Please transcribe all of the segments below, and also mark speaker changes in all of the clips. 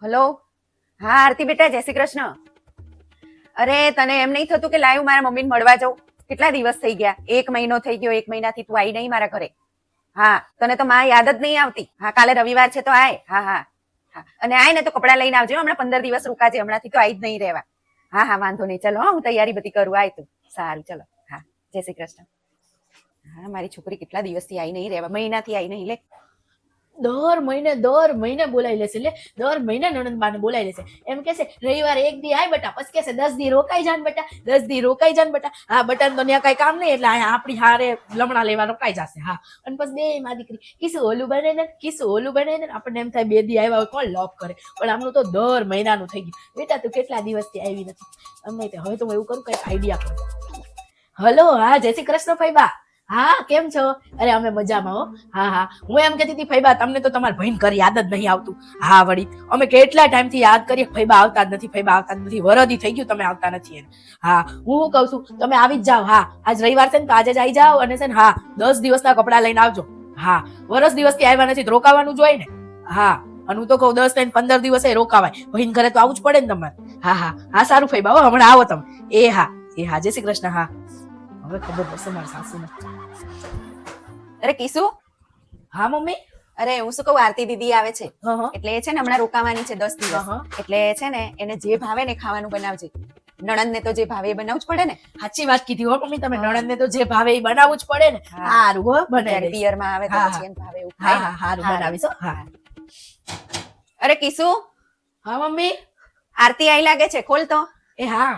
Speaker 1: Hello. હા આરતી બેટા, જય શ્રી કૃષ્ણ. અરે તને એમ નહીં થતું કે લાઈવ મારા મમ્મીને મળવા જાઉં? કેટલા દિવસ થઈ ગયા, 1 મહિનો થઈ ગયો. 1 મહિનાથી તું આવી નહીં મારા ઘરે. હા, તને તો માં યાદ જ નહીં આવતી. હા, કાલે રવિવાર છે તો આય. હા હા હા, અને આય ને તો કપડાં લઈને આવજો. હમણાં 15 દિવસ રોકાજે. હમણાંથી તો આવી જ નહીં રહેવા. હા હા, વાંધો નહીં. ચલો, હું તૈયારી બધી કરું. આય તું. સારું, ચલો. હા, જય શ્રી કૃષ્ણ. હા, મારી છોકરી કેટલા દિવસથી આવી નહીં રહેવા, મહિનાથી આવી નહીં. લે,
Speaker 2: દર મહિને બોલાવી લેશે. એટલે દર મહિને નણંદબાને બોલાવી લેશે. એમ કહેશે રવિવારે 1 દી આય બેટા, પછી કહેશે 10 દી રોકાઈ જાન બેટા, 10 દી રોકાઈ જાન બેટા. હા, બટાને તો ત્યાં કઈ કામ નહીં, એટલે આપણી હારે લમણા લેવા રોકાઈ જશે. હા, અને પછી બે માં દીકરી કીસું ઓલું બને ને, કીસું ઓલું બને ને. આપણને એમ થાય 2 દી આવ્યા હોય કોણ લોક કરે, પણ આમનું તો દર મહિનાનું થઈ ગયું. બેટા તું કેટલા દિવસથી આવી નથી. અમને હવે તો હું એવું કરું, કઈક આઈડિયા કરું. હલો, હા, જય શ્રી કૃષ્ણ ફઈબા. હા, કેમ છો? અરે અમે મજામાં હો. હા હા, હું એમ કહેતી હતી ફઈબા, તમને તો તમારા ભાઈને ઘરે યાદ જ નહીં આવતું. હા વળી, અમે કેટલા ટાઈમથી યાદ કરીએ, ફઈબા આવતા જ નથી, ફઈબા આવતા જ નથી. વરદી થઈ ગયું તમે આવતા નથી એને. હા, હું કહું છું તમે આવી જ જાઓ. હા, આજ રવિવાર છે ને તો આજે જ આવી જાઓ, અને છે ને હા 10 દિવસના કપડા લઈને આવજો. હા, વરસ દિવસથી આવ્યા નથી તો રોકાવાનું જોઈએ ને. હા, અને હું તો કહું 10 ને 15 દિવસે રોકાવાય. ભાઈને ઘરે તો આવું જ પડે ને તમારે. હા હા હા, સારું ફઈબા હો, હમણાં આવો તમે. એ હા, જય શ્રી કૃષ્ણ. હા, હવે ખબર પડશે મારા સાસુને.
Speaker 1: અરે કીસુ.
Speaker 2: હા મમ્મી.
Speaker 1: અરે હું શું કહું, આરતી દીદી આવે છે
Speaker 2: હા
Speaker 1: એટલે એ છે ને હમણાં રોકાવાની છે 10 દિવસ.
Speaker 2: હા.
Speaker 1: એટલે છે ને એને જે ભાવે ને ખાવાનું બનાવજે. નણંદ ને તો જે ભાવે એ બનાવવું જ પડે ને.
Speaker 2: સાચી વાત કીધી હો મમ્મી તમે. નણંદ ને તો જે ભાવે એ બનાવવું જ પડે ને. સારું હો, બનાવી
Speaker 1: પિયર માં આવે તો
Speaker 2: હા,
Speaker 1: પછી એને ભાવે એવું
Speaker 2: હા
Speaker 1: ખાય
Speaker 2: હા,
Speaker 1: ને.
Speaker 2: સારું બનાવીશ હો. હા
Speaker 1: અરે કીસુ,
Speaker 2: હા મમ્મી.
Speaker 1: આરતી આઈ લાગે છે, ખોલ તો.
Speaker 2: એ હા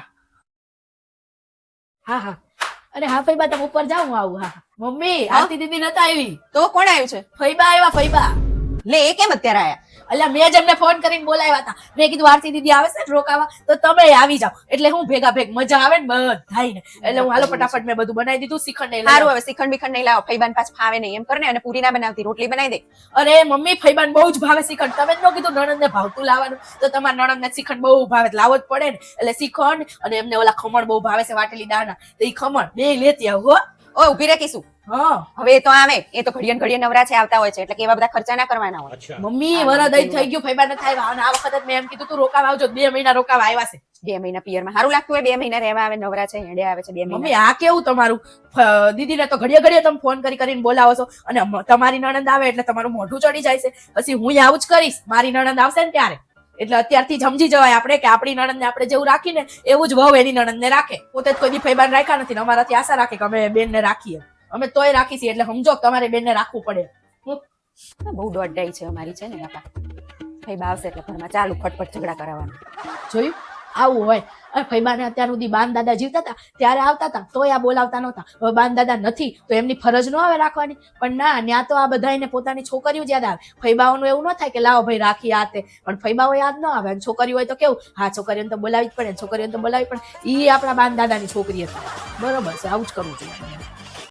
Speaker 2: હા હા. અરે હા ફઈબા, તમે ઉપર જાઓ, હું આવું. હા મમ્મી, આરતી દીદી નતા આવી.
Speaker 1: તો કોણ આવ્યું છે?
Speaker 2: ફઈબા આવ્યા, ફઈબા.
Speaker 1: લે, એ કેમ અત્યારે આયા?
Speaker 2: અલ્યા મેં જ એમને ફોન કરીને બોલાવ્યા હતા. મેં કીધું આરતી દીદી આવે છે ને રોકાવા, તો તમે આવી જાઓ. એટલે હું ભેગા ભેગ મજા આવે ને બધાયને. એટલે હું હાલો ફટાફટ મેં બધું બનાવી દીધું. શ્રીખંડ ને
Speaker 1: સારું, હવે શ્રીખંડ બીખંડ નહીં લાવો. ફઈબાન પાછ ફાવે નહીં એમ કરને, અને પૂરી ના બનાવતી, રોટલી બનાવી દે.
Speaker 2: અરે મમ્મી, ફઈબાન બહુ જ ભાવે શ્રીખંડ. તમે જ ન કીધું નણંદ ને ભાવતું લાવવાનું, તો તમારા નણંદ ને શ્રીખંડ બહુ ભાવે, લાવો જ પડે ને. એટલે શ્રીખંડ અને એમને ઓલા ખમણ બહુ ભાવે છે, વાટેલી દાળના. તો એ ખમણ બે લેતી આવું હો.
Speaker 1: ઓ ઉભી રે કીસુ.
Speaker 2: હા,
Speaker 1: હવે એ તો આવે, એ તો ઘડિયન ઘડિયન નવરા છે, આવતા હોય છે, એટલે કે એવા બધા ખર્ચા ના કરવાના હોય.
Speaker 2: મમ્મી વરદ થઈ ગયું, ફઈબા નથી આવ્યા. અને આ વખત મેં એમ કીધું તું રોકાવા આવજો. 2 મહિના રોકાવા આવ્યા છે.
Speaker 1: 2 મહિના પિયરમાં સારું લાગતું હોય. 2 મહિના રહેવા આવે, નવરા છે, હેડે આવે છે 2 મહિના.
Speaker 2: મમ્મી આ કેવું તમારું? દીદીને તો ઘડીએ ઘડીએ તમે ફોન કરીને બોલાવો છો, અને તમારી નણંદ આવે એટલે તમારું મોઢું ચડી જાય છે. પછી હું આવું જ કરીશ, મારી નણંદ આવશે ને ત્યારે. એટલે અત્યારથી જ સમજી જવાય આપણે કે આપણી નણંદ ને આપણે જેવું રાખીને એવું જ વહુ એની નણંદ ને રાખે. પોતે જ કોઈ દી ફઈબાન રાખ્યા નથી ને અમારાથી આશા રાખે કે અમે બેન ને રાખીએ. અમે તોય રાખી છીએ, એટલે સમજો તમારે બેન ને રાખવું પડે.
Speaker 1: બહુ દોડાઈ છે અમારી, છે ને બાપા. ફઈબા આવશે એટલે ઘરમાં ચાલુ ફટફટ ઝઘડા કરાવવાનું.
Speaker 2: જોયું, આવું હોય. ફઈબાને અત્યાર સુધી બાન દાદા જીવતા હતા ત્યારે આવતા હતા, તોય આ બોલાવતા નહોતા. હવે બાન દાદા નથી તો એમની ફરજ ન આવે રાખવાની. પણ ના, ત્યાં તો આ બધાને પોતાની છોકરીઓ જ યાદ આવે. ફઈબાઓનું એવું ન થાય કે લાવો ભાઈ રાખી આ તે, પણ ફઈબાઓ યાદ ન આવે. છોકરીઓ હોય તો કેવું, હા છોકરીઓને તો બોલાવી જ પડે, છોકરીઓને તો બોલાવી પડે. ઈ આપણા બાન દાદાની છોકરી હતી. બરોબર છે, આવું જ કરવું જોઈએ.